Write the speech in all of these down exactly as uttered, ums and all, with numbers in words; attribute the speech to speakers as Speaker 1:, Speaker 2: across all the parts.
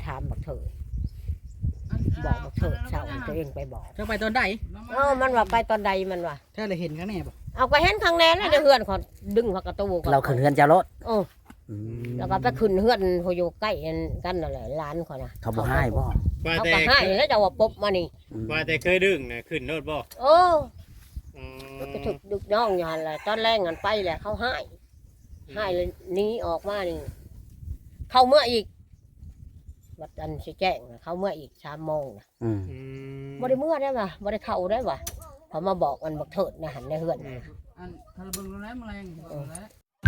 Speaker 1: ถามบักเถิดบอกบักเถิดเช้าตัวเองไปบอก
Speaker 2: เจ้าไปตอนใด
Speaker 1: เออมันว่าไปตอนใดมันว่า
Speaker 2: เจ้าเลยเห็นข้างแน่บ่
Speaker 1: เอาไปเห็นครั้งแรกแล้วเดี๋ยวเฮือนเขาดึงเขากระตูก่อน
Speaker 3: เราขึ้นเฮือนเจ้ารถ
Speaker 1: โอ้แล้วก็ไปขึ้นเฮือนเขาอยู่ใกล้กันนั่นแหละร้านเขานะ
Speaker 3: เขาบ่ให้บ่
Speaker 4: ว่า
Speaker 1: เขา
Speaker 4: แต่
Speaker 1: ก็ให้แล้วจะว่าปุ๊บมานี่
Speaker 4: ว่าแต่เคยดึงน่ะขึ้นรถบ่
Speaker 1: โอ้
Speaker 4: อืม
Speaker 1: ก็ถึกดึกน้องอยู่หันแหละตอนแรกงันไปแหละเขาให้ให้เลยหนี้ออกมานี่เข้าเมื่ออีกวัดอันสิแจ้งน่ะเข้าเมื่ออีกสามโมงนะ
Speaker 3: อืม
Speaker 4: อืม
Speaker 1: บ่ได้เมื่อได้ป่ะบ่ได้เข้าได้ป่ะเขามาบอกมันบักเถิดนะหันในเฮือนน่ะ
Speaker 2: อันคาราเบิงแล้วแมลงแล้ว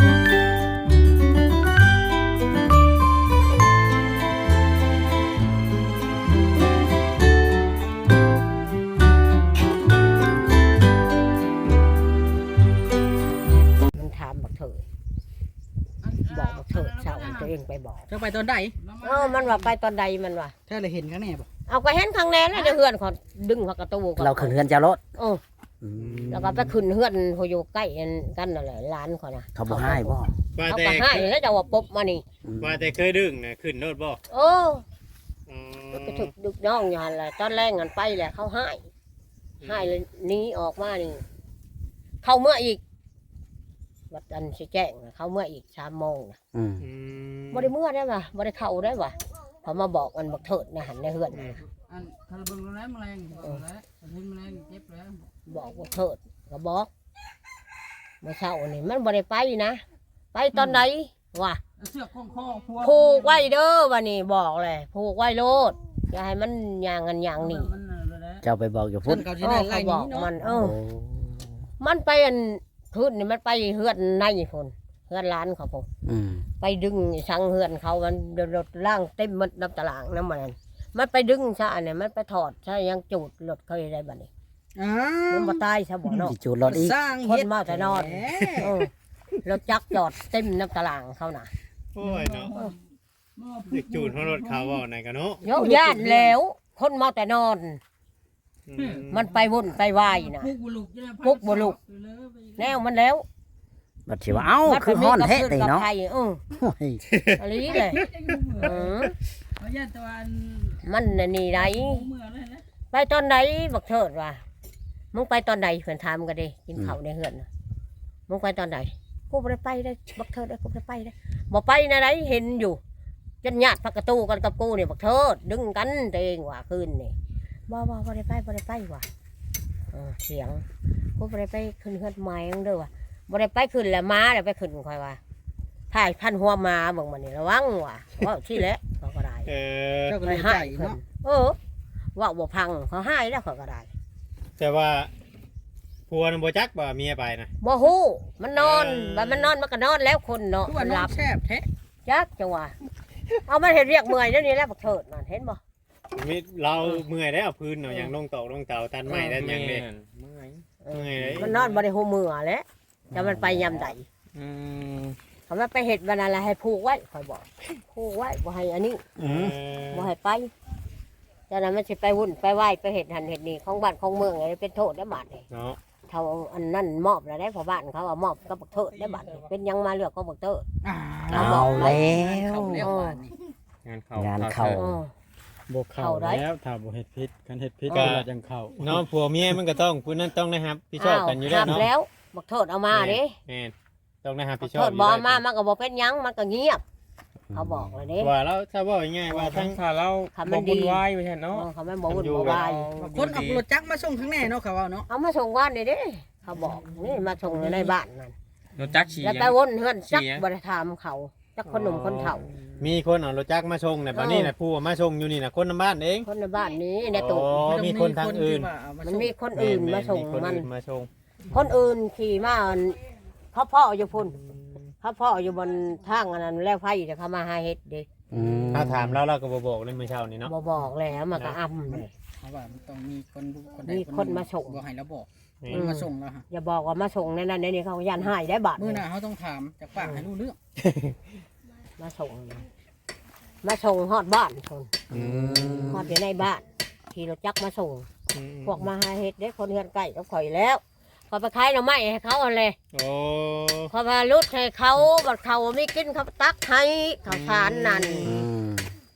Speaker 1: มันถามบักเถิดบอกบักเถิดเช้าตัวเองไปบอก
Speaker 2: เจ้าไปตอนใด
Speaker 1: เออมันว่าไปตอนใดมันว่า
Speaker 2: เจ้าเลยเห็นข้างแน่บ่
Speaker 1: เอาไปเห็นครั้งแรกแล้วเดี๋ยวเฮือนเขาดึงเขากระตูก่อน
Speaker 3: เราขึ้นเฮือนเจ้ารถ
Speaker 1: โอ้แล้วก็ไปขึ้นเฮือนเขาอยู่ใกล้กันนั่นแหละร้านเขานะ
Speaker 3: เขาบ่ให้บ่
Speaker 4: ว่า
Speaker 1: เขา
Speaker 4: แต่
Speaker 1: ก็ให้แล้วจะว่าปุ๊บมานี่
Speaker 4: ว่าแต่เคยดึงน่ะขึ้นรถบ่
Speaker 1: โอ้
Speaker 4: อืม
Speaker 1: ก็ถึกดึกน้องอยู่หันแหละตอนแรกงันไปแหละเขาให้ให้เลยหนี้ออกมานี่เข้าเมื่ออีกวัดอันสิแจ้งน่ะเข้าเมื่ออีกสามโมงนะ
Speaker 3: อืม
Speaker 4: อืม
Speaker 1: บ่ได้เมื่อได้ป่ะบ่ได้เข้าได้ป่ะเขามาบอกมันบักเถิดนะหันในเฮือนน่ะ
Speaker 2: อันคาราเบิงแล้วแมลงแล้วเห็นแมลงเจ็บแล้ว
Speaker 1: บอกบักเถิดก็บอกเมื่อเช้านี่มันบ่ได้ไปนะไปตอนไหนวะ
Speaker 2: เสือกของคอพัว
Speaker 1: ผูกไว้เด้อวันนี้บอกเลยผูกไว้โลดอย่าให้มันยางกันยางนี่
Speaker 2: มันแล้ว
Speaker 3: เจ้าไปบอกอยู่
Speaker 2: พุ่
Speaker 3: พุ่
Speaker 2: น
Speaker 3: น
Speaker 2: เขาสิ
Speaker 1: เอ
Speaker 2: ได้
Speaker 1: อ
Speaker 2: ไล่
Speaker 1: เขา
Speaker 2: ห
Speaker 1: บ
Speaker 2: นี
Speaker 1: อก
Speaker 2: เนาะ
Speaker 1: มันเอ
Speaker 3: โอ้
Speaker 1: อ มันไปอันพื้นนี่มันไปเฮือนในพุ่นเฮือนร้านเขาพุ่น
Speaker 3: อืม
Speaker 1: ไปดึงสังเฮือนเขามันรถล่างเต็มหมดน้ำตารางน้ำมันมันไปดึงซะอันนี้มันไปถอดซะยังจูดรถเขาได้บัดนี้
Speaker 2: อ้า
Speaker 1: มัน
Speaker 2: ว
Speaker 1: บ่ตายซะบ่เนาะ
Speaker 3: สิจูดรถอีก
Speaker 2: สร้าง
Speaker 1: คนมาแต่นอนเออรถจักรจอดเต็มน้ำตารางเขาน่ะ
Speaker 4: โอ้ยเนาะเด็กจูดของรถเขาบ่ไหนกันเนาะ
Speaker 1: โยญาติแล้ว คนมาแต่นอน
Speaker 4: อืม
Speaker 1: มันไปวุ่นไปวายน่ะ
Speaker 2: ปุกบุลุก
Speaker 1: ปุกบุลุก แนวมันแล้ว
Speaker 3: บัดสิว่าเอ้าคือฮ้อนแท้ติเนาะ
Speaker 1: ไทยเออ
Speaker 3: โอ้ย
Speaker 1: อะไรเลยเออ
Speaker 2: เขาญาติตะวัน
Speaker 1: มันน่ะนี่ไร
Speaker 2: เมื่อเลยนะ
Speaker 1: ไปตอนไหนบักเถิดว่ะมึงไปตอนไหนเพื่อนถามกันดิกินข้าวในเฮือนน่ะมึงไปตอนไหนกูบ่ได้ไปได้บักเถิดได้กูบ่ได้ไปได้บ่ไปนะไหนเห็นอยู่จนญาติพักกระตูกันกับกูนี่บักเถิดดึงกันตัวเองว่ะคืนนี่บ่บ่บ่ได้ไปบ่ได้ไปว่ะเออเสียงกูบ่ได้ไปขึ้นเฮือนไม้ยังเด้อว่ะบ่ได้ไปขึ้นแล้วมาแล้วไปขึ้นค่อยว่าถ่ายพันหัวมาเบิ่งมันนี่ระวังว่ะว่าที่แหละเขาก็ได้
Speaker 4: เออ
Speaker 2: เจ้าก็
Speaker 1: ไป
Speaker 2: เลย
Speaker 1: ให้
Speaker 2: ใจ
Speaker 1: เพิ่น
Speaker 2: เนาะ
Speaker 1: เออว่าบ่พังเขาให้แล้วเขาก็ได้
Speaker 4: แต่ว่าผัวน่ะบ่จักว่าเมียไปนะ
Speaker 1: บ่ฮู้มันนอน
Speaker 4: เออ
Speaker 1: บัดมันนอนมันก็นอนแล้วคนเนาะ
Speaker 2: ทุกวั
Speaker 1: มัน น
Speaker 2: น
Speaker 1: ห
Speaker 2: อ
Speaker 1: ลั
Speaker 2: น
Speaker 1: บ
Speaker 2: แซ่บแท้
Speaker 1: จักจังหวะเอามันเห็นเรียกเมื่อยแล้วนี่แหละบักเถิดนั่นเห็นบ่
Speaker 4: มีเราเมื่อยได้เอาพื้นเนาะอย่างลงตอกลงเตาตันไม้ตันหยังเด้
Speaker 5: เมื่อย
Speaker 1: เออ
Speaker 4: เมื่อยเลย
Speaker 1: มันนอนบ่ได้ฮู้มือแหล้วแต่มันไปยามใด
Speaker 5: อืม
Speaker 1: เขามันไปเฮ็ดวันนั้นละให้ผูกไว้ค่อยบอกผูกไว้บ่ให้อันนี้
Speaker 4: เออ
Speaker 1: บ่ให้ไปจากนั้นมันสิไปวุ่นไปไหว้ไปเฮ็ดหันเฮ็ดนี่ของบ้านของเมืองอะไรเป็นโทษได้บาดนี่
Speaker 4: เนาะ
Speaker 1: เท่าอันนั้นมอบแล้วได้พอบ้านเขาว่ามอบกับบักเถิดได้บาดนี่เป็นหยังมาเลือกก็บักเถิด
Speaker 2: อ่า
Speaker 3: เอาแล้ว
Speaker 2: เข้าแล้วบ้านนี่
Speaker 5: งานเข้าง
Speaker 3: านเข้า
Speaker 1: เออ
Speaker 6: บ่เข้า
Speaker 1: เข้าได้
Speaker 6: แล้วถ้าบ่เฮ็ดพิษกันเฮ็ดพิษ
Speaker 1: ก็
Speaker 6: ก็จังเข้า
Speaker 4: เนาะผัวเมียมันก็ต้องผู้นั้นต้องนะครับพี่ชอบกันอยู่แล้ว
Speaker 1: ห้าม
Speaker 4: เนาะ
Speaker 1: แล้วบักเถิดเอามาเด้
Speaker 4: แม่นต้องนะครับ
Speaker 1: บั
Speaker 4: พี่
Speaker 1: ก
Speaker 4: ชอบ
Speaker 1: เถิด
Speaker 4: อยู่
Speaker 1: บ่
Speaker 4: แล้ว
Speaker 1: เอามามันก็บ่เป็นหยังมันก็เงียบเขาบอกเลยเด้
Speaker 4: ว่าแล้วถ้าว่าง่ายๆว่า
Speaker 5: ทั้
Speaker 4: ทั้
Speaker 5: ง
Speaker 4: ง
Speaker 5: ถ้าเรา
Speaker 1: คำมั
Speaker 5: บ่
Speaker 1: นดี
Speaker 5: บุญวายไม่ใช่เนาะ
Speaker 1: เออเขาไม่บอกวุ่น
Speaker 4: อยู่
Speaker 1: บ่
Speaker 4: แบบ
Speaker 1: วาย
Speaker 2: คนเอารถจักรมาส่งข้างแน่เนาะเขาเอาเนาะ
Speaker 1: เอามาส่งบ้านนี่เด้เขาบอกนี่มาส่งในบ้านนั่น
Speaker 5: รถจักรฉี่
Speaker 1: แล้วไปวนเฮือนจักบ่ได้ถามเขาจักคนหนุ่มคนเฒ่า
Speaker 4: มีคนเอารถจักรมาชงเนี่ยบัดนี้น่ะผู้เอามาชงอยู่นี่น่ะคนในบ้านเอง
Speaker 1: คนในบ้านนี้ในตู้
Speaker 4: อ๋อมีคนทางอื่น
Speaker 1: มันมีคนอื่นมาส่ง
Speaker 4: คน
Speaker 1: มัน
Speaker 4: อื่นมาชง
Speaker 1: คนอื่นขี่มาเขาพ่ออยู่พุ่นเขาพ่ออยู่บนทางอันนั้นแล้วไฟจะเขามาหาเฮ็ดเด้
Speaker 3: อืม
Speaker 4: ถ้าถามเราเราก็บ่บอกเลยเมื่อเช้านี้เนาะ
Speaker 1: บ่บอกแล้วมันก็อำเลย
Speaker 2: เพราะว่ามันต้องมีคนคนใด
Speaker 1: มีคนมาส่ง
Speaker 2: บ่ให้เราบอก
Speaker 4: นี่
Speaker 2: คนมาส่งแล้วฮะ
Speaker 1: อย่าบอกว่ามาส่งในนั้นในนี้เขายันหายได้บาท
Speaker 2: มื้อหน้าเขาต้องถามจากปากให้รู้เรื่อง
Speaker 1: มาส่งมาส่งฮอดบ้านคน
Speaker 4: อืม
Speaker 1: ฮอดอยู่ในบ้านขี่รถจักรมาส่ง
Speaker 4: อืม
Speaker 1: พวกมาหาเฮ็ดเด้คนเฮือนใกล้กับข่อยแล้วพอไปขายหน่อไม้ให้เขาเอาเลย
Speaker 4: โอ้
Speaker 1: พอมาลุดให้เขาบัดเขาไม่กินเขาตักให้ข้าวสารนั่น
Speaker 3: อืม
Speaker 1: เอ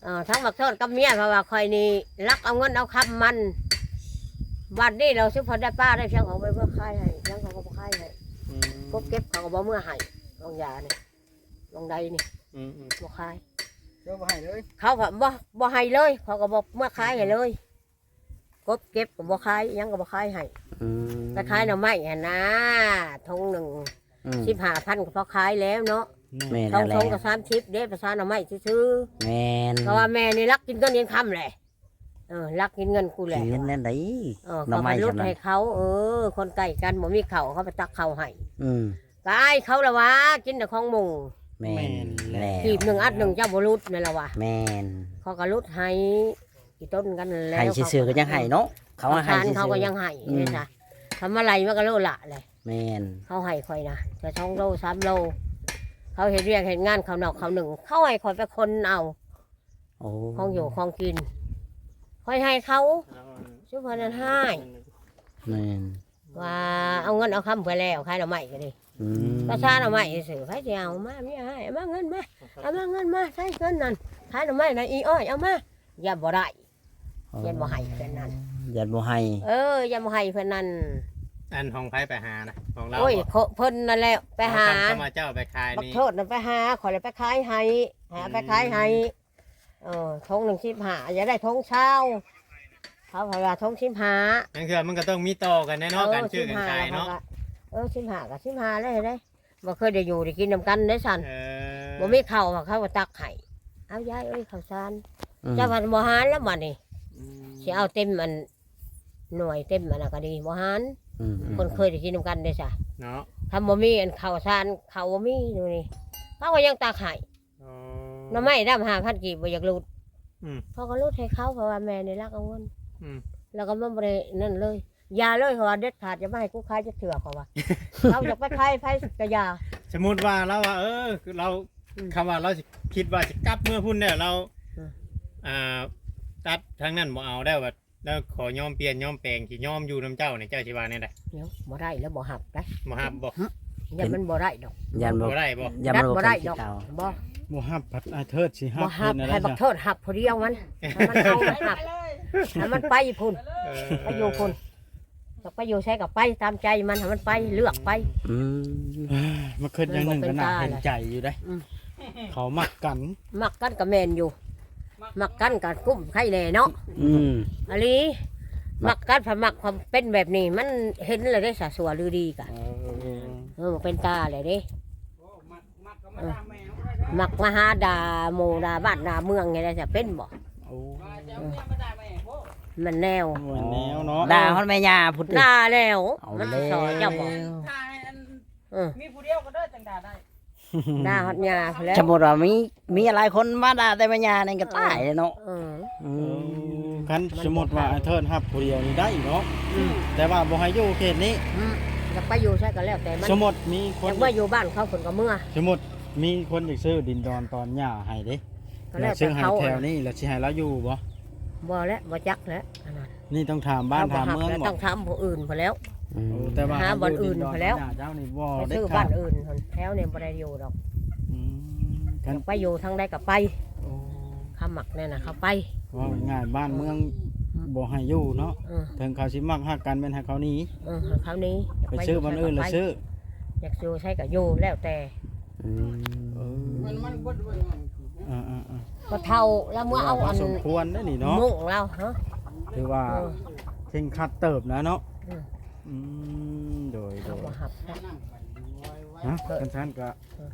Speaker 1: ออทั้งบักเทิดกับเมียเพราะว่าคอยนี่รักเอาเงินเอาคำมันวันนี้เราซื้อพอได้ป้าได้เพียงของไปเมื่อค่ายให้เพียงเขาก็บ่ค่ายให้
Speaker 5: อืม
Speaker 1: พวกเก็บเขาก็บ่เมื่อให้ลงยานี่ลงใดนี่
Speaker 5: อืมอืม
Speaker 1: บ่ค่าย
Speaker 2: เจ้าบ่ให้เลย
Speaker 1: เขาก็บ่บ่ให้เลยเขาก็บ่เมื่อค่ายให้เลยกบเก็บก็บ่ค่ายยังก็บ่ค่ายให้
Speaker 3: อืม
Speaker 1: ไปขายหน่อไม้หั่นนะทงหนึ่ง
Speaker 3: อืม
Speaker 1: สิบห้าพันก็พอขายแล้วเนาะ
Speaker 3: แม่น
Speaker 1: ทง
Speaker 3: แล้
Speaker 1: ท
Speaker 3: ว
Speaker 1: งก็สามสิบเด้ประสานหน่อไม้ซื้อ
Speaker 3: แม่น
Speaker 1: ๆเพราะว่าแม่นี่รักกินเงินเงินคำแหละเออรักกินเงินกูแห
Speaker 3: กิ
Speaker 1: ละ
Speaker 3: นเงินนั่นได้
Speaker 1: เออ
Speaker 3: หน่อ
Speaker 1: เขา
Speaker 3: ไม้
Speaker 1: ไปรุด
Speaker 3: ฉะนั้น
Speaker 1: ให้เขาเออ คนไก่กันบ่มีเขาเขาไปตักเขาให้
Speaker 3: อืม
Speaker 1: กายเขาละวะกินแต่ของหมู
Speaker 3: แม่นแล้ว
Speaker 1: ขีบหนึ่งอัดหนึ่งเจ้าบ่รุดนี่ละวะ
Speaker 3: แม่น
Speaker 1: เขาก็รุดให้กี่ต้นกันแล้ว
Speaker 3: ให้ซื่อๆก็ยังให้เนาะเขา
Speaker 1: เขา
Speaker 3: ว่าให้
Speaker 1: ทาน
Speaker 3: ซื่อๆ
Speaker 1: เขาก็ยังให้
Speaker 3: อืม
Speaker 1: นี่จ้ะทำอะไรมันก็โลละเลย
Speaker 3: แม่น
Speaker 1: เขาให้คอยนะจะสองโลสามโลเขาเห็นเรียกเห็นงานเขานอกเขาหนึ่งเขาให้คอยไปคนเอา
Speaker 3: โอ้
Speaker 1: ของอยู่ของกินคอยให้เขาชุบพนันให้
Speaker 3: แม่น
Speaker 1: ว่าเอาเงินเอาคำไปแล้วขายหน่อไม้ก็ดี
Speaker 3: อืม
Speaker 1: ประชาหน่อไม้สื่อไผสิเอามาไม่ให้เอามาเงินมาเอามาเงินมาใช้เงินนั่นขายหน่อไม้นะอีอ้อยเอามาอย่าบ่ได้อย่าบ่ให้เพิ่นนั่น
Speaker 3: ยันบ่ให้
Speaker 1: เอออย่าบ่ให้เพิ่นนั่น
Speaker 4: อันของไผไปหานะของเรา
Speaker 1: โอ้ย
Speaker 4: บ่
Speaker 1: เขาเพิ่นนั่นแหละไปหา
Speaker 4: เอคำเข้ามาเจ้าไปขาย
Speaker 1: บัก
Speaker 4: นี่
Speaker 1: โทษนั่นไปหาขอเลยไปขายให้หาไปขายให้เออทงหนึ่งสิบห้าอย่าได้ทงเช้าเขาพาทงสิบห้า
Speaker 4: นั่นคือมันก็ต้องมีต่อกันแน่เนอนกันชื่อกันขายเนาะ
Speaker 1: เออสิบห้ากับสิบห้าเลยได้บ่เคยได้อยู่ได้กินน้ำกันได้สัน
Speaker 4: เออ
Speaker 1: บ่มีข้าวเขาก็ตักให้เอายายเอ้ยข้าวสาร
Speaker 3: อืม
Speaker 1: เจ้าพันบ่หารแล้วบัดนี้
Speaker 5: อืม
Speaker 1: สิเอาเต็มมันหน่วยเต็มมันน่ะก็ดีบ่หาร
Speaker 3: อืมอืม
Speaker 1: คนเคยได้กินน้ำกันได้จ้ะ
Speaker 4: เนาะ
Speaker 1: ทำบ่มีอันข้าวสารข้าวบ่มีดูนี่เขาก็ยังตักให้
Speaker 4: อ๋อ
Speaker 1: หน่อไม้ดำห้าพันกีบบ่อยากรูด
Speaker 4: อืม
Speaker 1: เขาก็รูดให้เขาเพราะว่าแม่นี่รักเอาเงิน
Speaker 4: อืม
Speaker 1: แล้วก็มันบ่ได้นั่นเลยอยาเลยเพราะว่าเด็ดขาดจะไม่ให้กูขายจะเถื่อเขาว่า เขาอยากไปขายไผก็อยา
Speaker 4: สมมุติว่าเราว่าเออคือเราคำว่าเราสิคิดว่าจะกลับเมื่อพุ่นเนี่ยเรา
Speaker 1: อืม
Speaker 4: อ่าตัดทางนั้นบ่เอาได้ว่าแล้วขอยอมเปลี่ยนยอมแปลงสิยอมอยู่น้ำเจ้าเนี่ยเจ้าสิว่าแน่ได้
Speaker 1: เดี๋ยวบ่ได้แล้วบ่หับได้
Speaker 4: บ่ฮับบ่
Speaker 1: อย่ามันบ่ได้ดอก
Speaker 3: ยันบ่
Speaker 4: บ่ได้บ่
Speaker 3: ยัน
Speaker 1: ดัด
Speaker 3: บ่
Speaker 1: บ่
Speaker 3: ได้
Speaker 1: ได้
Speaker 3: ด
Speaker 1: ด
Speaker 3: อ
Speaker 1: อก กบ่
Speaker 6: บ่ฮับผัดไอเทิดสิฮั
Speaker 1: บ่
Speaker 6: บ
Speaker 1: หับ
Speaker 6: เป็นอะไร
Speaker 1: ให้บัก
Speaker 6: จ้ะ
Speaker 1: เทิดหับพอเดียวมันให้มันเอามันหับให้มันไปพุ่น
Speaker 4: เออ
Speaker 1: ไปอยู่พุ่นจะไปอยู่ใช้กับไปตามใจมันให้มันไปเลือกไป
Speaker 3: อืม
Speaker 6: เอ้ยมาคิดอย่างหนึงก็น่าเห็นใจอยู่ได้
Speaker 1: อืม
Speaker 6: เขามักกัน
Speaker 1: มักกันกับแมนอยู่ มักกันกับกุ้มไข่แน่เนาะ
Speaker 3: อืม
Speaker 1: อันนี้มักกันผัมักความเป็นแบบนี้ มันเห็นเลยได้สะสวหรือดีกัน
Speaker 6: เออ
Speaker 1: เออมันเป็นตาเลยเด้เออมักมาหาดาโมดาบ้านดาเมืองไงได้จะเป็นบ่
Speaker 6: โอ้
Speaker 1: มันแนว
Speaker 6: เหมือนแนวเนาะ
Speaker 3: ด่าฮอดแม่ย่าพุทธ
Speaker 1: ด่าแล้ว
Speaker 3: เอา
Speaker 1: มัน
Speaker 3: แล้ว
Speaker 1: สอนเจ้าบอก
Speaker 2: ถ้าให้อัน
Speaker 1: เออ
Speaker 2: มีผู้เดียวก็ได้จังด่าได้
Speaker 1: ด่าฮอดยาแล้ว
Speaker 3: สมมุติว่ามีมีหลายคนมาด่าแต่แม่ย่านี่ก็ตายเลยเนาะ
Speaker 1: เออ
Speaker 3: อื
Speaker 6: เอ
Speaker 3: ม
Speaker 6: อคันสมมุติว่าไอเทิดฮับผู้เดียวนี่ได้เนาะแต่ว่าบ่ให้อยู่เขตนี้
Speaker 1: อืมอยากไปอยู่ใช่ก็แล้วแต่มัน
Speaker 6: สมมุติมีค
Speaker 1: อน ยากเมื่ออยู่บ้านเขาฝนก็เมื่อ
Speaker 6: สมมุติมีคนอยากซื้อดินดอนตอนหญ้าให้เด้
Speaker 1: ก็
Speaker 6: แล้
Speaker 1: แล้ว ว
Speaker 6: ซื้
Speaker 1: แต่
Speaker 6: อให้
Speaker 1: เขา
Speaker 6: แถวนี้แล้วสิให้เราอยู่บ่
Speaker 1: บ่แล้วบ่จักแล้วอันนั้น
Speaker 6: นี่ต้องถามบ้าน
Speaker 1: เข
Speaker 6: ถาม
Speaker 1: หั
Speaker 6: เมือง
Speaker 1: แล้ว
Speaker 6: บ่
Speaker 1: ต้องทำผู้อื่นพอแล้ว
Speaker 3: อืม
Speaker 6: โอ้แต่ว่า
Speaker 1: หาบ่อนอื่น
Speaker 6: ดิด
Speaker 1: ไปแล้ว
Speaker 6: หญ้าเจ้านี่บ่
Speaker 1: ไป
Speaker 6: เด็ด
Speaker 1: ซื้อ
Speaker 6: ขา
Speaker 1: บ้า
Speaker 6: ด
Speaker 1: นอื่นคนแถวเนี่ยบ่ได้อยู่ดอก
Speaker 6: อืมกัน
Speaker 1: ไปอยู่ทางใดก็ไป
Speaker 6: โอ้
Speaker 1: ข้ามักเนี่ยนะเขาไป
Speaker 6: ว่าง่ายบ้านเมืองบ่ให้อยู่เนาะ
Speaker 1: เออ
Speaker 6: ถึงเขาสิมักฮักกันเป็นให้เขาหนี้
Speaker 1: เออคราวนี้ยาก
Speaker 6: ไปซื้อบ้านอื่นแล้วซื้อ
Speaker 1: อยากอยู่ใช้ก็อยู่แล้วแต่
Speaker 3: อืม
Speaker 6: เออ
Speaker 2: มันมันบ่ด้วย
Speaker 6: อ่าอ่าอ่า
Speaker 1: ก็เท่าแล้วเมื่อเอาอัน
Speaker 6: สมควรได้นี่เนาะ
Speaker 1: มุ่งเราฮะ
Speaker 6: ถือว่า
Speaker 1: เออ
Speaker 6: เข่งคัดเติบนะเนาะ
Speaker 1: อืม
Speaker 6: อืมโดยโด
Speaker 1: เขา
Speaker 6: ย
Speaker 1: บ่หับนะ
Speaker 6: ฮะกันท่านก็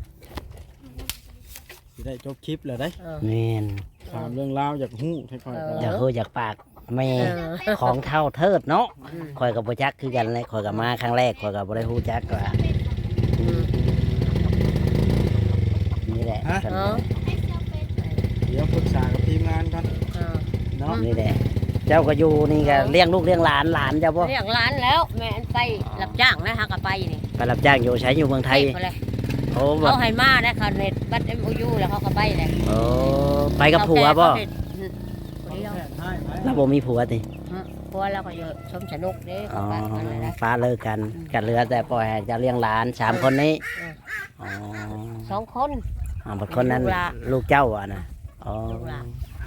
Speaker 6: สิได้จบคลิปแล้วได้
Speaker 1: เออ
Speaker 3: แม่น
Speaker 6: ถามเรื่องราวอยากฮู้ค่อยๆ
Speaker 1: เอ
Speaker 6: กัน
Speaker 3: อยากฮู้อยากปากแม่
Speaker 1: เออ
Speaker 3: ของเท่าเทิดเนาะ
Speaker 1: อืม
Speaker 3: ข่อยก็บ่จักคือกันเลยข่อยก็มาครั้งแรกข่อยก็บ่ได้ฮู้จักว่า
Speaker 1: อืม
Speaker 3: นี่แหละ
Speaker 1: เออ
Speaker 6: เดี๋ยวปรึกษากับทีมงานก่อน
Speaker 1: เออ
Speaker 6: เนาะ
Speaker 3: นี่แหละเจ้าก็อยู่นี่ก็เลี้ยงลูกเลี้ยงหลานหลานเจ้าบ่
Speaker 1: เรียกร้านแล้ว แม่อันไปรับจ้างนะฮะก็ไปนี่
Speaker 3: ไปรับจ้างอยู่ใช้อยู่เมืองไทย
Speaker 1: ไปเลย
Speaker 3: โอ้บ่
Speaker 1: เขาให้มานะเขาเน็ตบัตรเอ็มโอยูแล้วเขาก็ไปเลย
Speaker 3: โอ้ไปกับผัวบ่
Speaker 1: เขาเฮ็ดอืมคนเดียว
Speaker 3: เราบ่มีผัวติ
Speaker 1: อืมผัวเราก็อยู่ชมสนุกเด้
Speaker 3: อ๋
Speaker 1: เขา
Speaker 3: อ
Speaker 1: ไปกันเลยนะ
Speaker 3: ฟ้าเลิกกันกันเหลือแต่ปล่อยให้เจะเลี้ยงหลานสามคนนี้
Speaker 1: อืม
Speaker 3: อ๋อ
Speaker 1: สองคน
Speaker 3: อ๋อบัดคนนั้น
Speaker 1: ลูกหลาน
Speaker 3: ลูกเจ้าอ่ะนะอ๋อ
Speaker 1: ลูกหลาน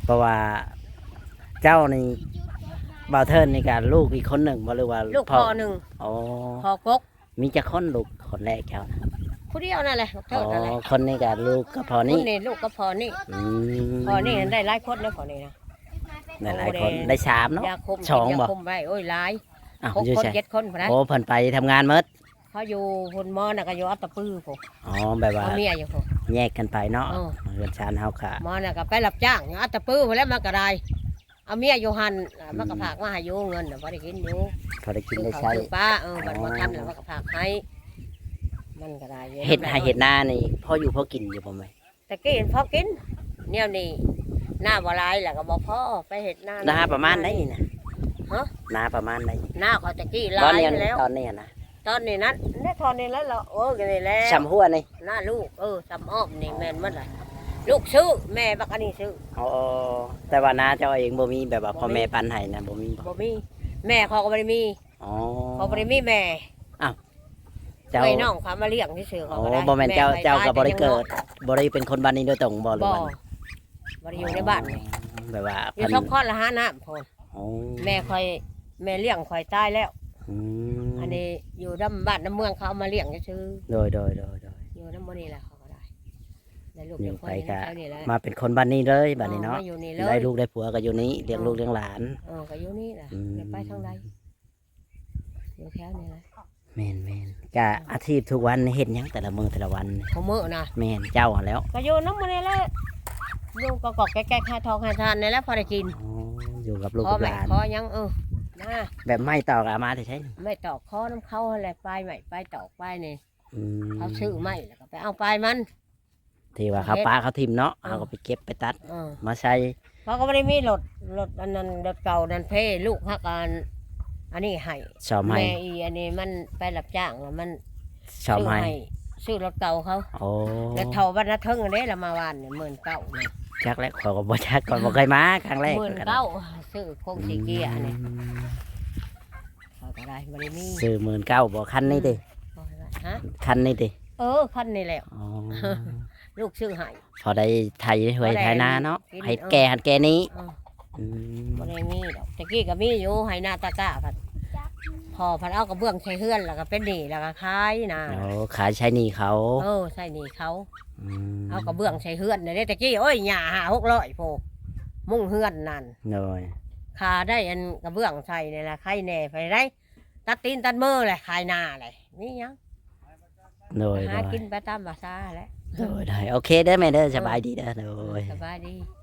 Speaker 3: เพราะว่าเจ้านี่บ่าวเทินนี่ก็ลูกอีกคนหนึ่งบ่หรือว่า
Speaker 1: ลูกพ่อหนึ่ง
Speaker 3: อ๋อ
Speaker 1: พ่อกก
Speaker 3: มีจะคนลูกคนแรกเจ้านะ
Speaker 1: ผู้เดียวนั่นแหละบัก
Speaker 3: อ๋
Speaker 1: เทิดนั่นแหละ
Speaker 3: อคนนี้ก็ลูกก็พอ
Speaker 1: คน
Speaker 3: นี่
Speaker 1: นี่ลูกก็พอนี่
Speaker 3: อืม
Speaker 1: พอนี่ได้หลายคนแล้วพอนี่นะ
Speaker 3: ได้หลายคนได้สามเนาะ
Speaker 1: ยาคม
Speaker 3: สอง
Speaker 1: ยา
Speaker 3: บ่
Speaker 1: คมไว้โอ้ยหลาย
Speaker 3: อ้าว
Speaker 1: หก
Speaker 3: อยู่
Speaker 1: คน
Speaker 3: ใช่
Speaker 1: เจ็ดคนพอนะ
Speaker 3: โอ้เพิ่นไปทำงานหมด
Speaker 1: เขาอยู่พุ่นหมอน่ะก็อยู่อัตตปื้อพวก
Speaker 3: อ๋อแบบว่า
Speaker 1: เอาเมียอยู่พวก
Speaker 3: แยกกันไปเนาะ
Speaker 1: เออ
Speaker 3: เรือนชานเฮาค่ะ
Speaker 1: หมอน่ะก็ไปรับจ้างอยู่อัตตปื้อพอแล้วมันก็ได้เอาเมียอยู่หันมันก็พากมาให้อยู่เงินน่ะบ่ได้กินอยู่
Speaker 3: พอได้กิน
Speaker 1: ซื้อ
Speaker 3: ได้
Speaker 1: ข้าว
Speaker 3: ใช้
Speaker 1: ซื้อปลาเออมันบ่ทันแล้วมันก็พากให้มันก็ได้อยู่
Speaker 3: เห็ดให้เห็ดหน้านี่พ่ออยู่พ่อกินอยู่บ่ไหม
Speaker 1: แต่กี้เห็นพอกินเนี่ยนี่หน้าบ่หลายแล้วก็บ่พอไปเฮ็ดหน้า
Speaker 3: หน้าประมาณไหนนี่นะ
Speaker 1: ฮะ
Speaker 3: หน้าประมาณไหน
Speaker 1: หน้าเขาตะกี้ห
Speaker 3: ตอ
Speaker 1: ลาน ย
Speaker 3: นี้
Speaker 1: อยู่แล้ว
Speaker 3: ตอนนี้นะ
Speaker 1: ตอนนี้นั้นได้ตอนนี้แล้วเราเออกันนี่แหล้ว
Speaker 3: ชำหัวนี่
Speaker 1: หน้าลูกเออสำอ้อมนี่แม่นหมดเลยลูกซื้อแม่บักอันนี้ซื้อ
Speaker 3: อ๋อแต่ว่าน้าเจ้าเองบ่มีแบบว่าพ่อแม่ปันให้นะบ่มีบ่
Speaker 1: บ่มีแม่เขาก็บ่ได้มี
Speaker 3: อ๋อ
Speaker 1: เขาบ่ได้มีแม่
Speaker 3: เจ้า
Speaker 1: ไว้น้องเขามาเลี้ยงที่ซื้อเขา
Speaker 3: โอ้
Speaker 1: ก็ได้
Speaker 3: บ่แม่นเจ้า
Speaker 1: ไป
Speaker 3: เจ้าก็บ่ได้
Speaker 1: ตย
Speaker 3: เกิดบ่ได้เป็นคนบ้านนี้โดยตรงบ่หรือ
Speaker 1: บ่
Speaker 3: ว่า
Speaker 1: บ่ได้อยู่ในบ้านนี่
Speaker 3: แบบว่า
Speaker 1: อยู่
Speaker 3: เพิ่น
Speaker 1: ชอบคลอดละหาน้ำพน
Speaker 3: อ๋อ
Speaker 1: แม่คอยแม่เลี้ยงคอยตายแล้ว
Speaker 3: อืม
Speaker 1: อันนี้อยู่น้ำบ้านน้ำเมืองเขาเอามาเลี้ยงซื้อ
Speaker 3: โดยโดยโดยโดย
Speaker 1: อยู่น้ำมันนี่แหละเขาก็ได้ได้ลูก
Speaker 3: อยู่
Speaker 1: เดียวคน
Speaker 3: ไป
Speaker 1: นี้
Speaker 3: ก็
Speaker 1: แค่นี้แหละ
Speaker 3: มาเป็นคนบ้านนี้เลยบ้านนี้เนาะ
Speaker 1: ออมอยู่นี่เล
Speaker 3: ได้
Speaker 1: ย
Speaker 3: ลูกได้ผัวก็อยู่นี้เลี้ยงลูกเลี้ยงหลาน
Speaker 1: เออก็อยู่นี่แหละ
Speaker 3: อืม
Speaker 1: เดี๋ยวไปทางใดอยู่แถวนี้แหละ
Speaker 3: แม่นแม่นกะอาชีพทุกวันนี่เฮ็ดหยังแต่ละมื้อแต่ละวัน
Speaker 1: เขาเมื่อนะ
Speaker 3: แม่นเจ้าหั่นแหล้ว
Speaker 1: ก็อยู่น้ำมันนี่แหละอยู่ก็กอกแก่ๆค่าทองค่าทานนี่แหละพอได้กิน
Speaker 3: อ๋ออยู่กับลูก
Speaker 1: พอ
Speaker 3: กับ
Speaker 1: ไหม
Speaker 3: หลาน
Speaker 1: พอยังเออนะ
Speaker 3: แบบไม่ต่อกะมาใช่
Speaker 1: ไม่ตอกคอน้ำเขาอะไรไปใหม่ไปตอกไปนี่
Speaker 3: อืม
Speaker 1: เขาซื้อไม่แล้วก็ไปเอาไปมัน
Speaker 3: ที่ว่าเขาป้าเขาทิมเนาะ
Speaker 1: เออ
Speaker 3: เขาก็ไปเก็บไปตัด
Speaker 1: เออ
Speaker 3: มาใส่
Speaker 1: เขาก็ไม่ได้มีรถรถอันนั้นรถเก่านั่นเพ่ลูกฮักอันอันนี้ให้
Speaker 3: ชอบให้
Speaker 1: แม่อีอันนี้มันไปรับจ้างแล้วมัน
Speaker 3: ชอบ
Speaker 1: ซื้อ
Speaker 3: ให้
Speaker 1: ให้ซื้อรถเก่าเขา
Speaker 3: โอ้
Speaker 1: แล้วเท่าวันละเทิงอันนี้ละมาวานเนี่ยหมื่นเก้าเนี่ย
Speaker 3: จักแล้วขอยก็บ่จักก่อนบ่เคยมาครั้งแรก
Speaker 1: หมื่น
Speaker 3: ก็ได้
Speaker 1: เก้าซื้อโคงสีเกียร์อันนี้
Speaker 3: อืม
Speaker 1: เขาก็ได้บริมี
Speaker 3: ซื้อหมื่นเก้าบ่คันนี้ติ
Speaker 1: เอาไว้ฮะ
Speaker 3: คันนี้ติ
Speaker 1: เออคันนี้แหละ
Speaker 3: อ๋อ
Speaker 1: ลูกซื้อให้
Speaker 3: พอได้ไทยหวย
Speaker 1: พอได้
Speaker 3: ไทยนาเนาะ
Speaker 1: กิน
Speaker 3: ให้
Speaker 1: เออ
Speaker 3: แก่หันแก่นี้
Speaker 1: เออ
Speaker 3: อืม
Speaker 1: บริมีดอกตะกี้ก็มีอยู่ให้หน้าตะกร้าพัดพอพัดเอากระเบื้องใช้เฮือนแล้วก็เป็นหนี้แล้วก็ขายนะ
Speaker 3: โอ้ขายใช้หนี่เขา
Speaker 1: เออใส่หนี้เขา
Speaker 3: ม
Speaker 1: เอากระเบื้องใช้เฮือนเนี่ยเด้ตะกี้โอ้ยหญ้าหาหกร้อยโพมุ่งเฮือนนั่น
Speaker 3: โดย
Speaker 1: คาได้อันกระเบื้องใส่เนี่ยละใครแหน่ไปได้ตัดตีนตัดมือเลยขายหน้าเลยนี่ยัง
Speaker 3: โดย
Speaker 1: หา
Speaker 3: โดย
Speaker 1: กินไปตามภาษาแหล้ว
Speaker 3: โดยได้โอเคเด้อแม่เด้อสบายดีเด้อโดย
Speaker 1: สบายดี